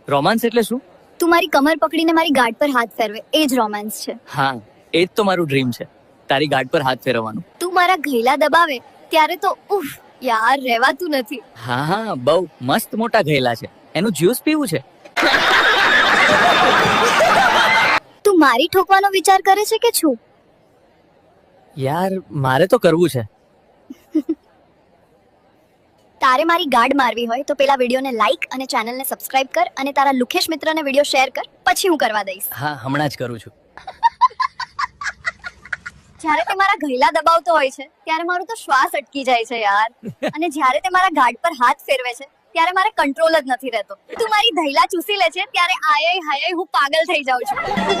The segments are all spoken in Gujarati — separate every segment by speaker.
Speaker 1: રોમાન્સ એટલે શું?
Speaker 2: તું મારી કમર પકડીને મારી ગાઢ પર હાથ ફેરવે, એ જ રોમાન્સ છે.
Speaker 1: હા, એ જ તો મારું ડ્રીમ છે, તારી ગાઢ પર હાથ ફેરવવાનું.
Speaker 2: તું મારા ઘૈલા દબાવે ત્યારે તો ઉફ યાર રહેવાતું નથી.
Speaker 1: હા હા, બહુ મસ્ત મોટા ઘેલા છે, એનું જ્યુસ પીવું છે.
Speaker 2: તું મારી ઠોકવાનો વિચાર કરે છે કે છું?
Speaker 1: યાર મારે તો કરવું છે.
Speaker 2: તારે મારી ગાઢ મારવી હોય તો પેલા વિડીયોને લાઈક અને ચેનલને સબસ્ક્રાઇબ કર અને તારા લુખેશ મિત્રને વિડીયો શેર કર, પછી હું કરવા દઈશ.
Speaker 1: હા, હમણાં જ કરું છું.
Speaker 2: જ્યારે તે મારા ઘૈલા દબાવતો હોય છે ત્યારે મારું તો શ્વાસ અટકી જાય છે યાર. અને જ્યારે તે મારા ગાઢ પર હાથ ફેરવે છે ત્યારે મારે કંટ્રોલ જ નથી રહેતો. તું મારી ધૈલા ચૂસી લે છે ત્યારે આય હાય હું પાગલ થઈ જાઉં છું.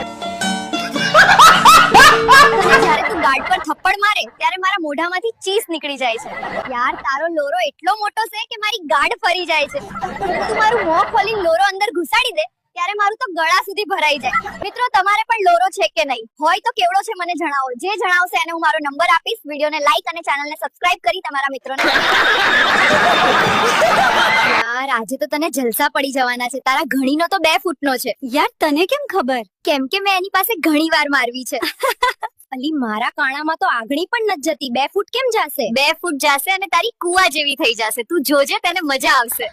Speaker 2: જ્યારે તું ગાઢ પર થપ્પડ મારે ત્યારે મારા મોઢામાંથી ચીસ નીકળી જાય છે. યાર તારો લોરો એટલો મોટો છે કે મારી ગાઢ ફરી જાય છે. તું મારું મોં ખોલીને લોરો અંદર ઘુસાડી દે ત્યારે મારું તો ગળા સુધી ભરાઈ જાય. મિત્રો તમારે પણ લોરો છે કે નહીં? હોય તો કેવડો છે મને જણાવો. જે જણાવશે એને હું મારો નંબર આપીશ. વિડીયોને લાઈક અને ચેનલને સબસ્ક્રાઇબ કરી તમારા મિત્રોને. યાર આજે તો તને જલસા પડી જવાના છે. તારા ઘણીનો તો 2 ફૂટનો છે. યાર તને કેમ ખબર? કેમ કે મેં એની પાસે ઘણી વાર મારવી છે. અલી મારા કાણામાં તો આગળી પણ નથી જતી. 2 ફૂટ કેમ જાશે? 2 ફૂટ જાશે અને તારી કુવા જેવી થઈ જશે. તું જોજે, તને મજા આવશે.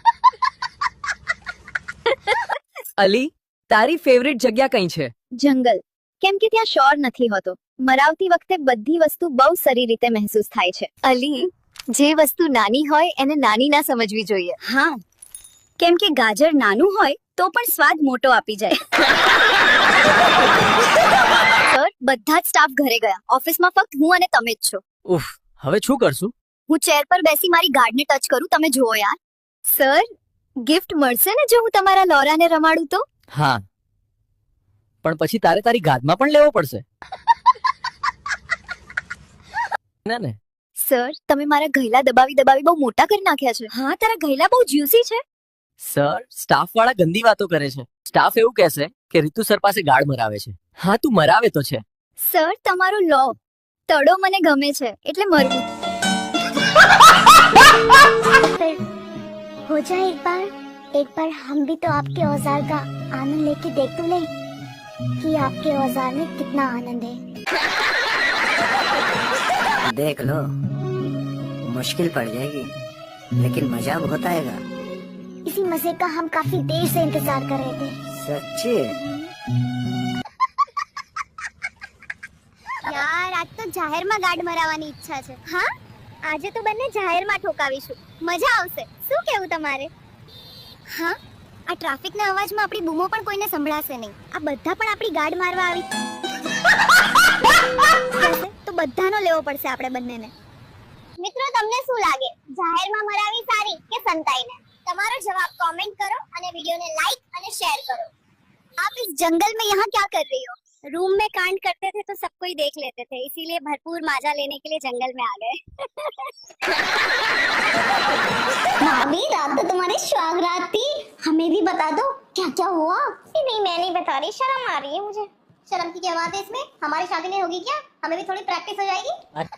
Speaker 3: અલી, તારી ફેવરિટ જગ્યા કઈ છે?
Speaker 2: જંગલ. કેમ કે ત્યાં શોર નથી હોતો. મરાવતી વખતે બધી વસ્તુ બહુ સારી રીતે મહેસૂસ થાય છે. અલી, જે વસ્તુ નાની હોય એને નાની ના સમજવી જોઈએ. હા, કેમ કે ગાજર નાનું હોય તો પણ સ્વાદ મોટો આપી જાય. સર, બધા જ સ્ટાફ ઘરે ગયા. ઓફિસમાં ફક્ત હું અને તમે જ છો.
Speaker 1: ઉફ, હવે શું કરશું?
Speaker 2: હું ચેર પર બેસી મારી ગાર્ડને ટચ કરું. તમે જુઓ યાર. સર, ગિફ્ટ મળશે ને જો હું તમારા લોરાને રમાડું તો?
Speaker 1: હા, પણ પછી તારે તારી ગાદમાં પણ લેવો પડશે. ના ને.
Speaker 2: સર, તમે મારા ઘૈલા દબાવી દબાવી બહુ મોટા કરી નાખ્યા છે. હા, તારા ઘૈલા બહુ જ્યુસી છે.
Speaker 1: સર, સ્ટાફ વાળા ગંદી વાતો કરે છે. સ્ટાફ એવું કહેશે કે રીતુ સર પાસે ગાળ મરાવે છે. હા, તું મરાવે તો છે.
Speaker 2: સર, તમારો લો તડો મને ગમે છે એટલે મરવું.
Speaker 4: हो जाए एक बार हम भी तो आपके औजार का आनंद लेके देख तो ले कि आपके औजार में कितना आनंद है.
Speaker 5: देख लो, मुश्किल पड़ जाएगी लेकिन मजा बहुत आएगा.
Speaker 4: इसी मजे का हम काफी देर से इंतजार कर रहे थे.
Speaker 5: सच्ची?
Speaker 4: યાર આજ તો જાહેરમાં ગાડ મરાવવાની ઈચ્છા છે. હા, આજે તો બંને જાહેરમાં ઠોકાવીશું. મજા આવશે. શું કહેવું તમારે? હા, આ ટ્રાફિકના અવાજમાં આપણી બૂમો પણ કોઈને સંભળાશે નહીં. આ બધા પણ આપણી ગાડ મારવા આવી તો બધાનો લેવો પડશે આપણે બંનેને. મિત્રો તમને શું લાગે, જાહેરમાં મરાવી સારી કે સંતાઈને? તમારો જવાબ કમેન્ટ કરો અને વિડિયોને લાઈક અને શેર કરો. आप इस जंगल में यहाँ क्या कर रही हो? रूम में कांड करते थे तो सब कोई देख लेते थे, इसीलिए भरपूर माजा लेने के लिए जंगल में आ गए. भाभी, रात तो तुम्हारी सुहाग रात थी, हमें भी बता दो क्या क्या हुआ. नहीं, मैं नहीं बता रही, शर्म आ रही है मुझे. शर्म की क्या बात है इसमें? हमारी शादी नहीं होगी क्या? हमें भी थोड़ी प्रैक्टिस हो जाएगी.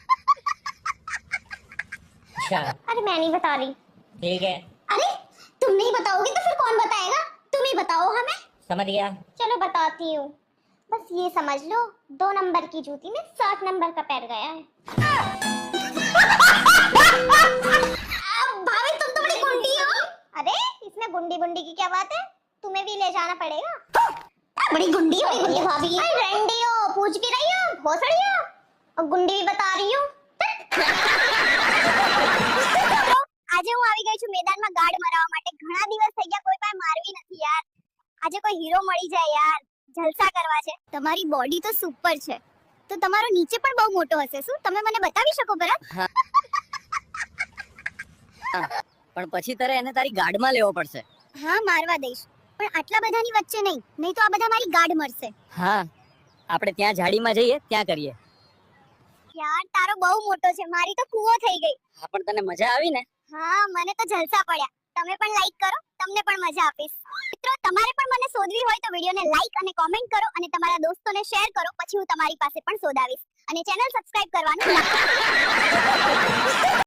Speaker 4: अरे मैं नहीं बता रही.
Speaker 5: ठीक है,
Speaker 4: अरे तुम नहीं बताओगी तो फिर कौन बताएगा? तुम ही बताओ हमें.
Speaker 5: समझ गया.
Speaker 4: चलो बताती हूँ. बस ये समझ लो, 2 नंबर की जूती में 7 नंबर का पैर गया है. भाभी तुम तो बड़ी गुंडी हो. अरे इसमें गुंडी बुंडी की क्या बात है? तुम्हें भी ले जाना पड़ेगा. बड़ी गुंडी हो भाभी. अरे रंडी हो, पूछ भी रही हो, भोसड़ी हो और गुंडी भी बता रही हो. આજે હું આવી ગઈ છું મેદાનમાં ગાડ મરાવવા માટે. ઘણા દિવસ થઈ ગયા, કોઈ પાસે મારવી નથી યાર. આજે કોઈ હીરો મળી જાય યાર, જલસા કરવા છે. તમારી બોડી તો સુપર છે, તો તમારો નીચે પણ બહુ મોટો હશે. શું તમે મને બતાવી શકો બરાબર?
Speaker 3: પણ પછી તારે એને તારી ગાડમાં લેવો પડશે.
Speaker 4: હા, મારવા દઈશ, પણ આટલા બધાની વચ્ચે નહીં, નહીં તો આ બધા મારી ગાડ મરશે.
Speaker 3: હા, આપણે ત્યાં ઝાડીમાં જઈએ, ત્યાં કરીએ.
Speaker 4: યાર તારો બહુ મોટો છે, મારી તો કૂવો થઈ ગઈ.
Speaker 3: હા, પણ તને મજા આવી ને?
Speaker 4: હા, મને તો જલસા પડ્યા. તમે પણ લાઈક કરો, તમને પણ મજા આપીશ. મિત્રો તમારે પણ મને શોધવી હોય તો વિડિયોને લાઈક અને કોમેન્ટ કરો અને તમારા દોસ્તોને શેર કરો, પછી હું તમારી પાસે પણ શોધાવીશ. અને ચેનલ સબસ્ક્રાઇબ કરવાનું ના ભૂલતા.